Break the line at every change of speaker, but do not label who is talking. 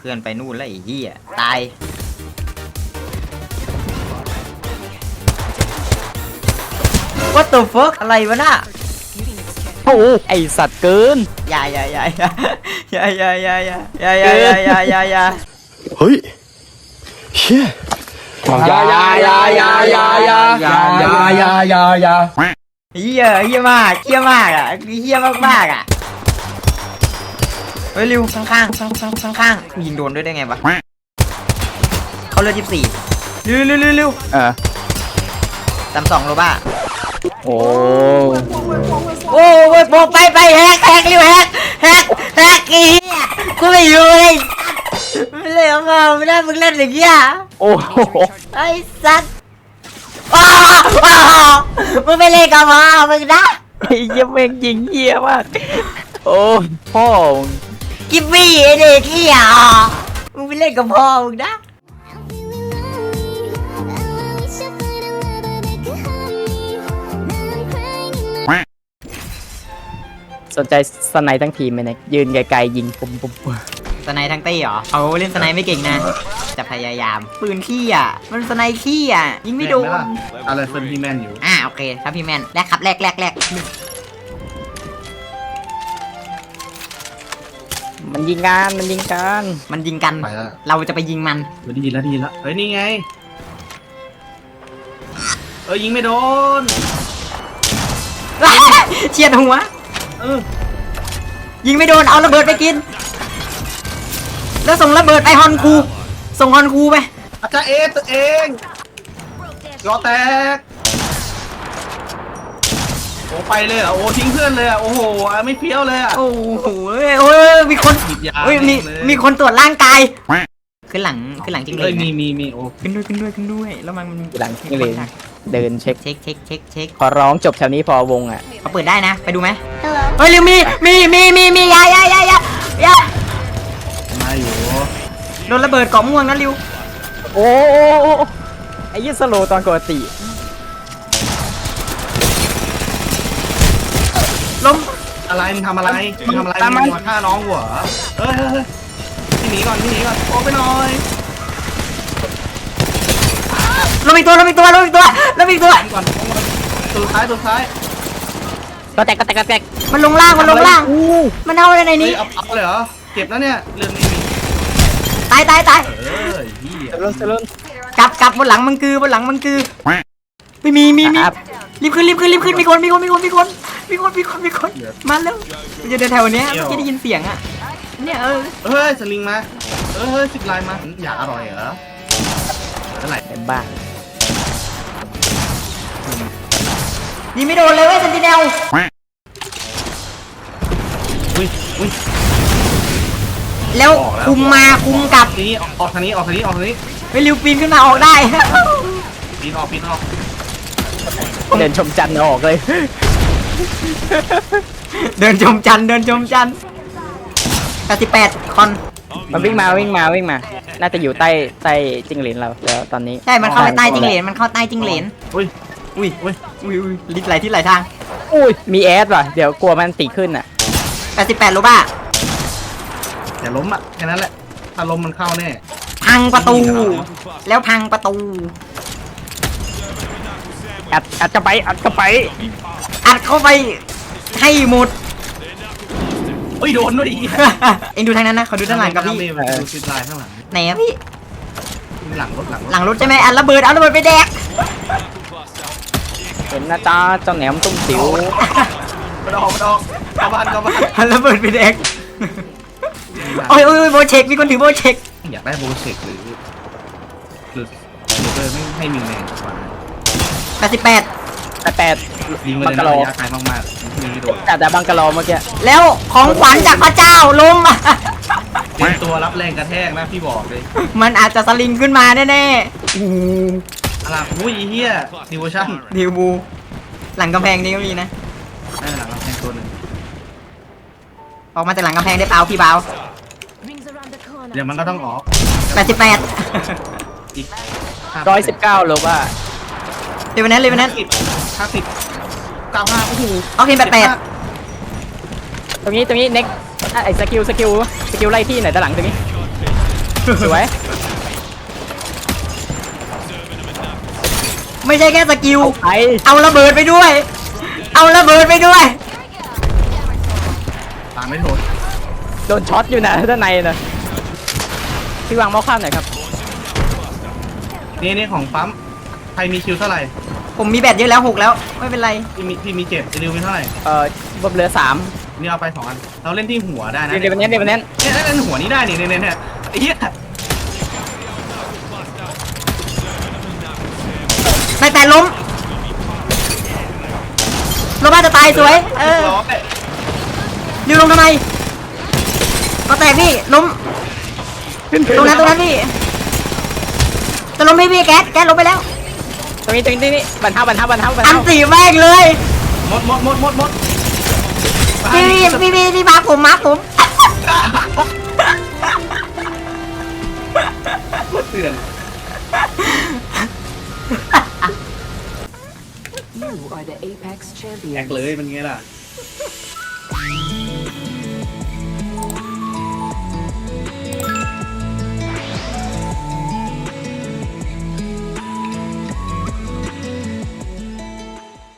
พื่อนไปนู่นแล้วไอ้เหี้ยตายWhat the fuck อะไรวะน่ะ
โอ้ไอสัตว์เกิน
อย่า
เฮ้ยเชี่ยอย่า
เหี้ยมากอ่ะเหี้ยมากอ่ะเฮ้ยริวข้างยิงโดนด้วยได้ไงวะเขาเลือด24ริว32โลบ้า
โอ้
บอกไปแฮกริวแฮกอีกูไม่อยู่เลยไม่เล่นมาไม่ได้มึงเล่นอย่างเงี้ย
โอ้โห
ไอ้สัตว์มึงไม่เล่นกับมามึงนะ
ไอ้เหี้ยแม่งยิงเหี้ยมากโอ้พ่อ
กิฟฟี่ไอ้เด็กเหี้ยมึงไปเล่นกับพ่อมึงนะ
สนใจสไนทั้งทีมไหมเนี่ยยืนไกลๆยิงปุ๊บ
สไนทั้งตี้เหรอเขาเล่นสไนไม่เก่งนะจะพยายามปืนขี้อ่ะมันสไนขี้อ่ะยิงไม่โดน
อะไรเฟิร์นพี่แมนอยู่
โอเคครับพี่แมนแลกครับแลก
มันยิงกัน
เราจะไปยิงมัน
ดีแล้วเฮ้ยนี่ไงยิงไม่โดน
เฉียดหัวยิงไม่โดนเอาระเบิดไปกินแล้วส่งระเบิดไปฮอนคูส่งฮอนคูไป
อาจารย์ตัวเองรอแตกโอ้ไปเลยอ่ะโอ้ทิ้งเพื่อนเลยอ่ะโอ้โหไม่เฟี้ยวเลยอ่ะ
โอ้โหมีคนมีคนตรวจร่างกายขึ้นหลังจริงเลย
มีโอ้
ขึ้นด้วยแล้วมัน
หลังจริงเลยเดินเช็คขอร้องจบแถวนี้พอวงอ่ะ
เขาเปิดได้นะไปดูไหมเฮ้ยริวมียา
มาอยู่
โดนระเบิดเกาะม่วงนะริว
โอ้ไอ้ยี่สโลตอนปกติ
ล้ม
อะไรมึงทำอะไรมึงมาฆ่าน้องหัวที่หนีก่อนโอ้ไปหน่อย
ล้มอีกตัวก่อน
ตัวท้าย
ก็แตก
มันลงล่างมันเอาอะไรในนี้
เอาเลยเหรอเก็บแล้วเนี่ยเรื่องนี้
ตาย
เสร็จ
กลับบนหลังมังคือไม่มีรีบขึ้นมีคนมาแล้วมันจะเดินแถวเนี้ยเมื่อกี้ได้ยินเสียงอ่ะเนี่ย
สลิงมาสิบลายมาอยากอร่อยเหรอเท่าไหร่
เป็นบ้า
ยิงไม่โดนเลยเว้ยเซนติเนลแล้วคุมกลับ
นี้ออกทางนี้
ไปริวปีนขึ้นมาออกได้
ปีนออก
เดินชมจันทร์ออกเลย
เดินชมจันทร์88คอน
มันวิ่งมาน่าจะอยู่ใต้จิ้งเหลนเราแล้วตอนนี้
ใช่มันเข้าไปใต้จิ้งเหลนอุ้ยลิดไหลที่ไหลทาง
มีแอดว่ะเดี๋ยวกลัวมันตีขึ้นอ่ะ
88โลบ้า
อย่าล้มอ่ะแค่นั้นแหละถ้าล้มมันเข้าแน่
พังประตู
อัดเข้าไป
อัดเข้าไปให้หมด
โดนด้วย
เอ็งดูทางนั้นนะเขาดูด้านหลังกับพี่
ดูซิดไลน์ข้างหลัง
ไหนอะพี่
หลั
งรถใช่ไหมเอาระเบิดไปแดก
เห็นนะจ้าเจ้าแหนมตุ้มติ๋ว
มาดอกเข้าบ้าน
เอาระเบิดไปแดกโอ้ยโบเช็คมีคนถือโบเช็ค
อยากได้โบเช็คหรือไม่ให้มีแมนกว่า
88
ยิงเลยนะระยะไกลมากๆมีโดน
แต่บังกะโลเมื่อกี้
แล้วของขวัญจากพระเจ้าลง
เป็นตัวรับแรงกระแทกนะพี่บอกเลย
มันอาจจะสลิงขึ้นมาแน่
อะไรเฮียดิวชั่น
ดิวบูหลังกำแพงนี่ก็มีนะ
หลังกำแพงตัวหนึ่ง
ออกมาจากหลังกำแพงได้เปล่าพี่เบา
เดี๋ยวมันก็ต้องออก
88
อีก
119โลว่า
เลยวันนั้น
50 95โอ้โห
เอาเพลง88
ตรงนี้เน็กไอ้สกิลไล่ที่ไหนด้านหลังตรงนี้สวย
ไม่ใช่แค่สกิล
ไอ
เอาระเบิดไปด้วย เอาระเบิดไปด้วย
ตามไม่โดน
โดนช็อตอยู่นะด้านในนะพี่วางหม้อข้ามหน่อยครับ
นี่ของปั๊มใครมีคิวเท่าไหร่
ผมมีแบตเยอะแล้ว6แล้วไม่เป็นไร
พี่มี7ดิวมีเท่าไหร่
บนเรือ3
นี่เอาไป2 อันเราเล่นที่หัวได้นะ
เดี๋ยววันนี้
เนี่ยเล่นหัวนี้ได้นี่เนี่ยไอ้เหี้ย
แต่ล้มลงมาจะตายสวย
ร้อย
ริวลงทำไมก็แตกพี่ล้ม
ขึ้น
ตรงนั้นพี่จะล้มพี่แก๊สล้มไปแล้ว
ตรงนี้บันเทา
อันตีแม่งเลย
หมด
พี่มาร์คผม
เตือน
You are the Apex
แอก
champion.
เลยเป็นไงล่ะ